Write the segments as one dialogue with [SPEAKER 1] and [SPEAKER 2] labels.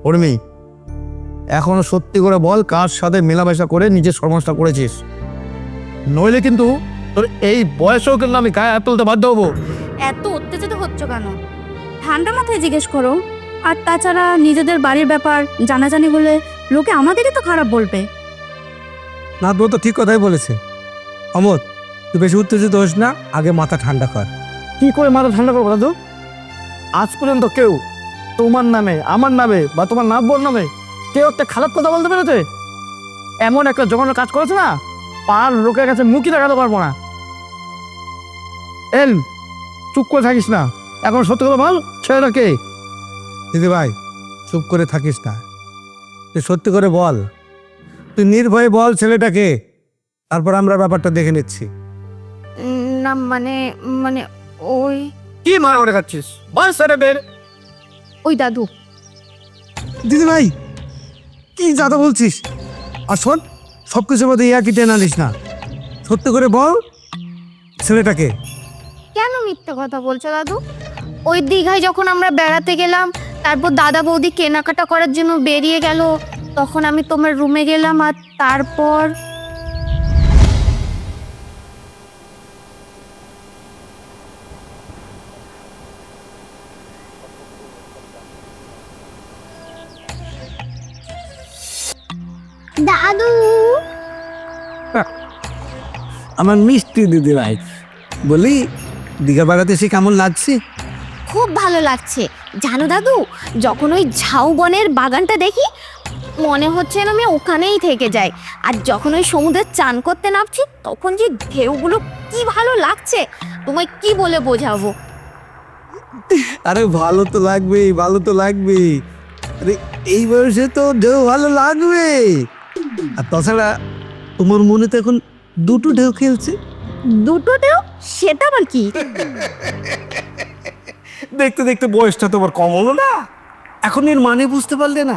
[SPEAKER 1] উর্মি, এখনো সত্যি করে বল কার সাথে মেলামেশা করে নিজের সর্বনাশটা করেছিস, নইলে কিন্তু তোর এই বয়সেও কিন্তু আমি গায়ে হাত তুলতে বাধ্য হবো।
[SPEAKER 2] এত উত্তেজিত হচ্ছ কেন? ঠান্ডা মাথায় জিজ্ঞেস করো। আর তাছাড়া নিজেদের বাড়ির ব্যাপার জানাজানি হলে লোকে আমাদেরই তো খারাপ বলবে।
[SPEAKER 3] নাথবউ তো ঠিক কথাই বলেছে। অমর, তুই বেশি উত্তেজিত হোস না, আগে মাথা ঠান্ডা কর।
[SPEAKER 1] কি করে মাথা ঠান্ডা করবো দাদু? আজ পর্যন্ত কেউ তোমার নামে, আমার নামে বা তোমার নাতবর নামে কেউ একটা খারাপ কথা বলতে পেরেছে? এমন একটা জঘন্য কাজ করেছে না, পার লোকের কাছে মুখই দেখাতে পারবো না। এল, চুপ করে থাকিস না, এখন সত্যি কথা বল, ছেলেটা কে?
[SPEAKER 3] দিদি ভাই, চুপ করে থাকিস না, তুই সত্যি করে বল, তুই নির্ভয়ে বল ছেলেটাকে, তারপর আমরা ব্যাপারটা দেখে নিচ্ছি।
[SPEAKER 2] না মানে মানে ওই
[SPEAKER 1] কি মনে করে খাচ্ছিস? বল সেটা বের।
[SPEAKER 2] ওই দাদু।
[SPEAKER 3] দিদি ভাই, কি যাতা বলছিস? আর শোন, সব কিছুর মধ্যে ইয়াকি টেনে আনিস না, সত্যি করে বল ছেলেটাকে।
[SPEAKER 2] কেন মিথ্যা কথা বলছো দাদু? ওই দীঘায় যখন আমরা বেড়াতে গেলাম, তারপর দাদা বৌদি কেনাকাটা করার জন্য বেরিয়ে গেল, তখন আমি তোমার রুমে গেলাম, আর তারপর দাদু।
[SPEAKER 3] আমার মিষ্টি দিদি ভাই, বলি দীঘা বেড়াতে এসে কেমন লাগছে?
[SPEAKER 2] খুব ভালো লাগছে জানো দাদু, যখন ওই ঝাউবনের বাগানটা দেখি মনে হচ্ছে না আমি ওখানেই থেকে যাই। আর যখন ওই সমুদ্রে চান করতে নামছি, তখন যে ঢেউগুলো কি ভালো লাগছে, তোমায় কি বলে বোঝাবো।
[SPEAKER 3] আরে ভালো তো লাগবেই, ভালো তো লাগবেই, আরে এই বয়সে তো ঢেউ ভালো লাগবে। আর তাছাড়া তোমার মনে তো এখন দুটো ঢেউ খেলছে।
[SPEAKER 2] দুটো ঢেউ? সেটা আবার কি?
[SPEAKER 3] দেখতে দেখতে বয়সটা তোমার কম হলো না, এখন এর মানে বুঝতে পারলে না?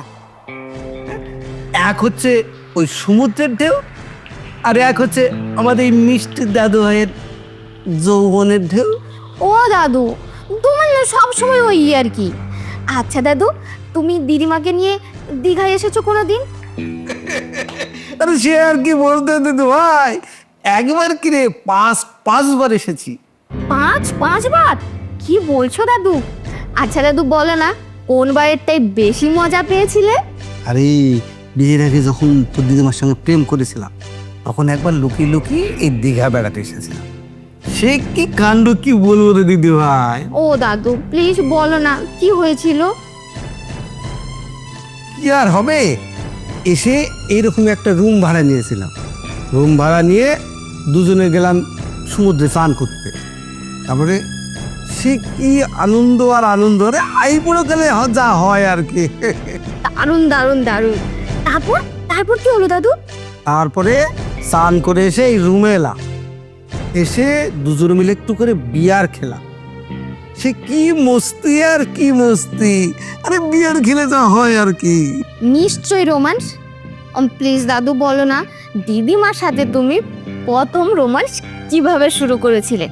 [SPEAKER 3] এক হচ্ছে ওই সমুদ্রের ঢেউ, আর এক হচ্ছে আমাদের এই মিষ্টি দাদু ভাইয়ের যৌবনের ঢেউ।
[SPEAKER 2] ও দাদু, তোমার না সবসময় ওই আর কি। আচ্ছা দাদু, তুমি দিদিমাকে নিয়ে দীঘায় এসেছো কোনো দিন?
[SPEAKER 3] আরে সে আর কি বলতে দিদি ভাই, একবার কিরে পাঁচবার এসেছি।
[SPEAKER 2] পাঁচবার? কি বলছো দাদু? আচ্ছা দাদু, বলো না কোন বারেরটাই বেশি মজা পেয়েছিলে?
[SPEAKER 3] আরে বিয়ের আগে যখন তোর দিদিমার সঙ্গে প্রেম করেছিলাম, তখন একবার লুকিয়ে লুকিয়ে এই দীঘা বেড়াতে এসেছিলাম। সে কি কাণ্ড, কি বলবো রে দিদি ভাই।
[SPEAKER 2] ও দাদু প্লিজ বলো না কি হয়েছিল।
[SPEAKER 3] কি আর হবে, এসে এইরকম একটা রুম ভাড়া নিয়েছিলাম, রুম ভাড়া নিয়ে দুজনে গেলাম সমুদ্রে স্নান করতে। তারপরে সে কি আনন্দ আর আনন্দ, রে আইপুরো গেলে যা হয় আর কি।
[SPEAKER 2] দারুণ দারুণ দারুণ। তারপর তারপর কি হলো দাদু?
[SPEAKER 3] তারপরে স্নান করে এসে এই রুমে এলাম, এসে দুজনে মিলে একটু করে বিয়ার খেলাম। সে কি মস্তি আর কি মস্তি, আরে বিয়ার খেলে যা হয় আর কি।
[SPEAKER 2] নিশ্চয়ই রোমান্স। প্লিজ দাদু বলো না, দিদিমার সাথে তুমি প্রথম রোমান্স কিভাবে শুরু করেছিলে?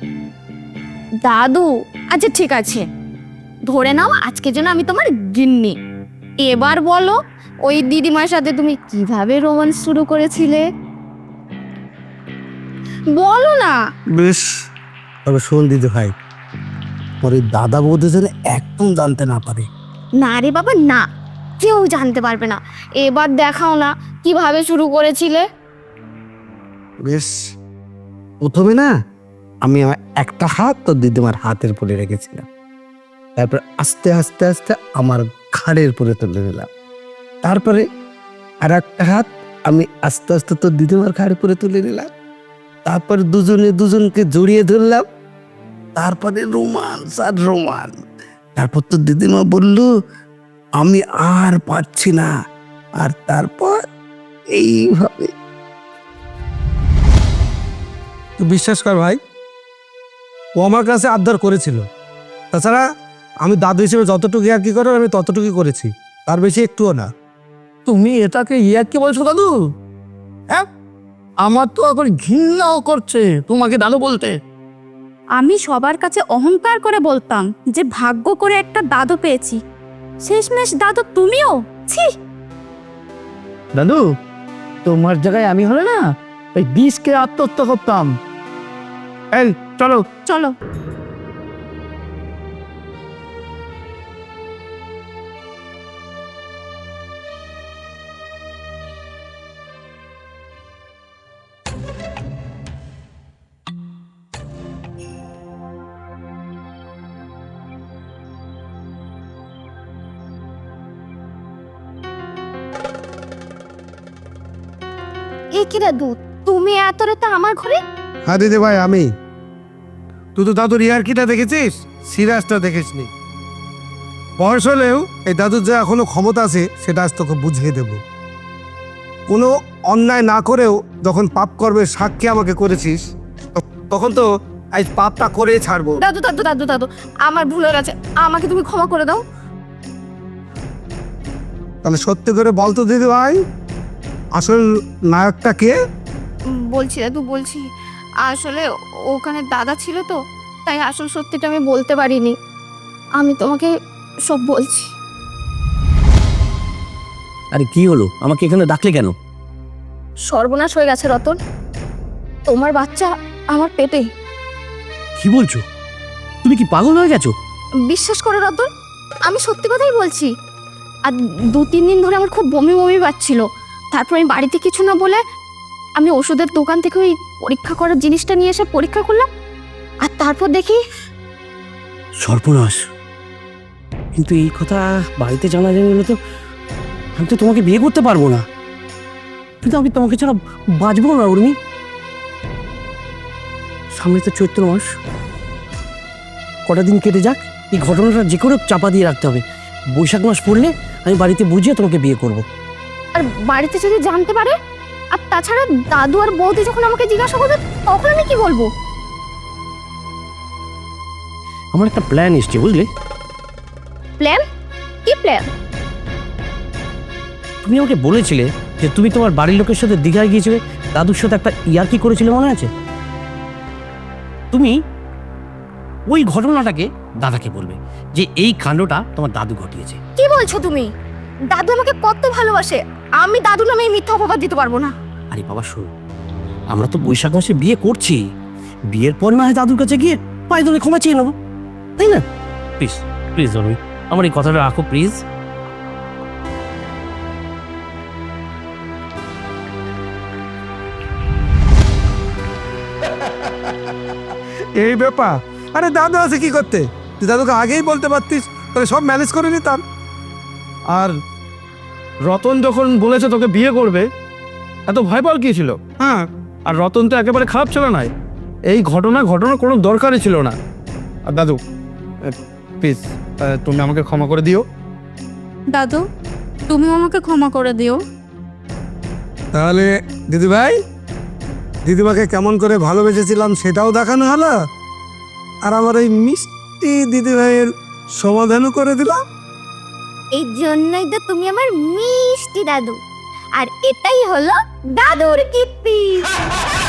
[SPEAKER 2] দাদু আচ্ছা ঠিক আছে, ধরে নাও আজকের জন্য আমি তোমার গিন্নি। এবার বলো, ওই দিদিমার সাথে তুমি কিভাবে রোমান্স শুরু করেছিলে? বলো না।
[SPEAKER 3] বেশ, তবে শোন দিদি ভাই, পরে দাদা বৌদি যেন একদম জানতে না পারে।
[SPEAKER 2] না রে বাবা না, কেউ জানতে পারবে না। এবার দেখাও না কিভাবে শুরু করেছিলে।
[SPEAKER 3] বেশ, প্রথমে না আমি আমার একটা হাত তোর দিদিমার হাতের উপরে রেখেছিলাম, তারপর আস্তে আস্তে আস্তে আমার ঘাড়ের উপরে তুলে দিলাম, তারপরে আর একটা হাত আমি আস্তে আস্তে তোর দিদিমার ঘাড়ের উপরে তুলে নিলাম, তারপর দুজনে দুজনকে জড়িয়ে ধরলাম, তারপরে রোমান্স আর রোমান্স। তারপর তোর দিদিমা বলল আমি আর পারছি না, আর তারপর এইভাবে। তুই বিশ্বাস কর ভাই, ও আমার কাছে আবদার করেছিল, তাছাড়া আমি দাদু হিসেবে যতটুকু আর কি করার আমি ততটুকুই করেছি, তার বেশি একটুও না।
[SPEAKER 1] তুমি এটাকে ইয়ার কি বলছো দাদু? হ্যাঁ, আমার তো এখন ঘৃণাও করছে তোমাকে দাদু বলতে।
[SPEAKER 2] আমি সবার কাছে অহংকার করে বলতাম যে ভাগ্য করে একটা দাদু পেয়েছি, শেষমেশ দাদু তুমিও? ছি।
[SPEAKER 1] দাদু, তোমার জায়গায় আমি হলে না ওই বিষকে আত্মহত্যা করতাম। এই চলো।
[SPEAKER 2] চলো। এ কি দাদু, তুমি এত রাতে আমার ঘরে?
[SPEAKER 3] হ্যাঁ দিদি ভাই আমি। তুই তো দাদুর ইয়ার্কিটা দেখেছিস, সিরিয়াসটা দেখিসনি। বয়স হলেও এই দাদুর যে এখনো ক্ষমতা আছে সেটা আজ তোকে বুঝিয়ে দেব। কোনো অন্যায় না করেও যখন পাপ করবে সাক্ষী আমাকে করেছিস, তখন তো আজ পাপটা করে ছাড়বো।
[SPEAKER 2] দাদু দাদু দাদু দাদু, আমার ভুল হয়ে গেছে, আমাকে তুমি ক্ষমা করে দাও।
[SPEAKER 3] তাহলে সত্যি করে বলতো দিদি ভাই, আসল নায়কটা কে?
[SPEAKER 2] বলছি দাদু বলছি, আসলে ওখানে দাদা ছিল তো, তাই আসল সত্যিটা আমি বলতে পারিনি। আমি তোমাকে সব বলছি।
[SPEAKER 4] আরে কি হলো, আমাকে এখানে ডাকলে কেন?
[SPEAKER 2] সর্বনাশ হয়ে গেছে রতন, তোমার বাচ্চা আমার পেটে।
[SPEAKER 4] কি বলছো? তুমি কি পাগল হয়ে গেছো?
[SPEAKER 2] বিশ্বাস করো রতন, আমি সত্যি কথাই বলছি। আর 2-3 দিন ধরে আমার খুব বমি বমি পাচ্ছিল। তারপর আমি বাড়িতে কিছু না বলে আমি ওষুধের দোকান থেকে ওই পরীক্ষা করার জিনিসটা নিয়ে এসে পরীক্ষা করলাম, আর তারপর দেখি
[SPEAKER 4] সর্বনাশ। কিন্তু এই কথা বাড়িতে জানা গেলে তো আমি তো তোমাকে বিয়ে করতে পারবো না। কিন্তু আমি তোমাকে ছাড়া বাঁচবো না উর্মি। সামনে তো চৈত্র মাস, কটা দিন কেটে যাক, এই ঘটনাটা যে করে চাপা দিয়ে রাখতে হবে। বৈশাখ মাস পড়লে আমি বাড়িতে বুঝিয়ে তোমাকে বিয়ে করব।
[SPEAKER 2] আর বাড়িতে যদি জানতে পারে, আর তাছাড়া দাদু আর বৌদি যখন আমাকে জিজ্ঞাসা করবে তখন আমি কি বলবো?
[SPEAKER 4] আমার একটা প্ল্যান এসছে, বুঝলে?
[SPEAKER 2] প্ল্যান? কি প্ল্যান?
[SPEAKER 4] তুমি আমাকে বলেছিলে যে তুমি তোমার বাড়ির লোকের সাথে দীঘায় গিয়েছিলে, দাদুর সাথে একটা ইয়ার্কি করেছিলে, মনে আছে? তুমি ওই ঘটনাটাকে দাদাকে বলবে যে এই কাণ্ডটা তোমার দাদু ঘটিয়েছে।
[SPEAKER 2] কি বলছো তুমি? দাদু আমাকে কত ভালোবাসে, আমি দাদু নামে এই মিথ্যা অপবাদ দিতে পারবো না।
[SPEAKER 4] আরে বাবা শোনো, আমরা তো বৈশাখ মাসে বিয়ে করছি, বিয়ের পর না হয় দাদুর কাছে গিয়ে পায়ে ধরে ক্ষমা চেয়ে নেবো, তাই না? প্লিজ প্লিজ রবি, আমার এই কথাটা রাখো প্লিজ।
[SPEAKER 3] এই ব্যাপার? আরে দাদু আছে কি করতে? তুই দাদুকে আগেই বলতে পারতিস, তাহলে সব ম্যানেজ করে নিতাম।
[SPEAKER 1] আর রতন যখন বলেছে তোকে বিয়ে করবে, এত ভয় পাওয়ার কি ছিল?
[SPEAKER 3] হ্যাঁ,
[SPEAKER 1] আর রতন তো একেবারে খারাপ ছিল না, এই ঘটনার কোনো দরকারই ছিল না। আর দাদু প্লিজ তুমি আমাকে ক্ষমা করে দিও।
[SPEAKER 5] দাদু, তুমি আমাকে ক্ষমা করে দিও।
[SPEAKER 3] তাহলে দিদিভাই, দিদিমাকে কেমন করে ভালোবেসেছিলাম সেটাও দেখানো হলো, আর আমার এই মিষ্টি দিদিভাইয়ের সমাধানও করে দিলাম।
[SPEAKER 2] এই জন্যই তো তুমি আমার মিষ্টি দাদু, আর এটাই হলো দাদুর কীর্তি।